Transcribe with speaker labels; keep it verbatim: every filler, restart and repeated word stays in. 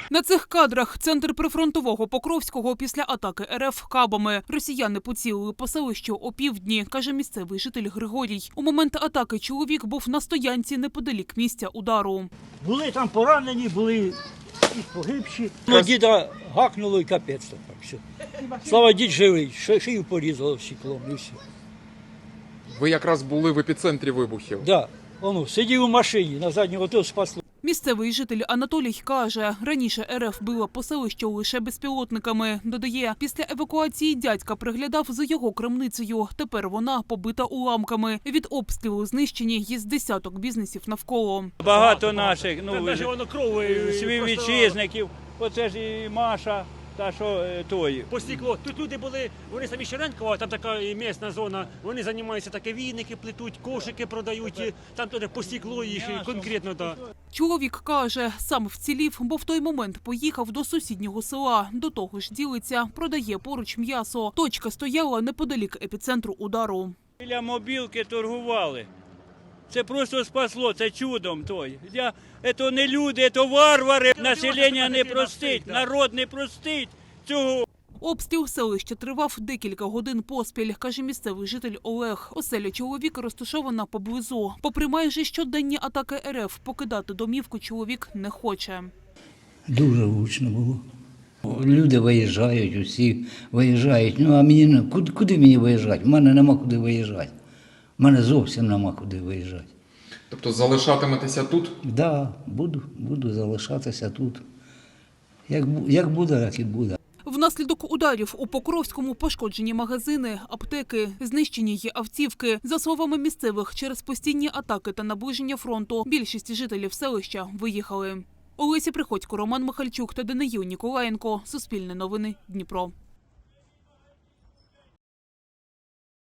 Speaker 1: На цих кадрах центр прифронтового Покровського після атаки РФ кабами. Росіяни поцілили по селищу опівдні, каже місцевий житель Григорій. У момент атаки чоловік був на стоянці неподалік місця удару.
Speaker 2: Були там поранені, були і погибші. Ну, діда гакнуло і капець. Так, все. Слава, дід живий, шию порізало стеклом і все.
Speaker 3: Ви якраз були в епіцентрі вибухів.
Speaker 2: Так, да. Воно, сидів у машині, на заднього ото спасло.
Speaker 1: Місцевий житель Анатолій каже, раніше РФ била по селищу лише безпілотниками. Додає, після евакуації дядька приглядав за його крамницею. Тепер вона побита уламками. Від обстрілу знищені є з десяток бізнесів навколо.
Speaker 4: Багато наших, ну,
Speaker 5: воно крові
Speaker 4: співвітчизників. Оце ж і Маша, та що е, той.
Speaker 5: По стекло. Тут люди були, вони самі Щеренкова, там така і місна зона, вони займаються таке війники плетуть, кошики продають, і там туди по стеклу їх і конкретно, так.
Speaker 1: Чоловік каже, сам вцілів, бо в той момент поїхав до сусіднього села. До того ж ділиться, продає поруч м'ясо. Точка стояла неподалік епіцентру удару.
Speaker 4: Біля мобілки торгували. Це просто спасло, це чудом той. Я, це не люди, це варвари. Населення не простить, народ не простить цього.
Speaker 1: Обстріл селища тривав декілька годин поспіль, каже місцевий житель Олег. Оселя чоловіка розташована поблизу. Попри майже щоденні атаки РФ, покидати домівку чоловік не хоче.
Speaker 6: Дуже гучно було. Люди виїжджають, усі виїжджають. Ну а мені не- куди, куди мені виїжджати? У мене нема куди виїжджати. У мене зовсім нема куди виїжджати.
Speaker 3: Тобто залишатиметеся тут?
Speaker 6: Так, да, буду, буду залишатися тут. Як, бу- як буде, так і буде.
Speaker 1: Внаслідок ударів у Покровському пошкоджені магазини, аптеки, знищені є автівки. За словами місцевих, через постійні атаки та наближення фронту більшість жителів селища виїхали. Олеся Приходько, Роман Михальчук та Даниїл Ніколаєнко. Суспільне новини. Дніпро.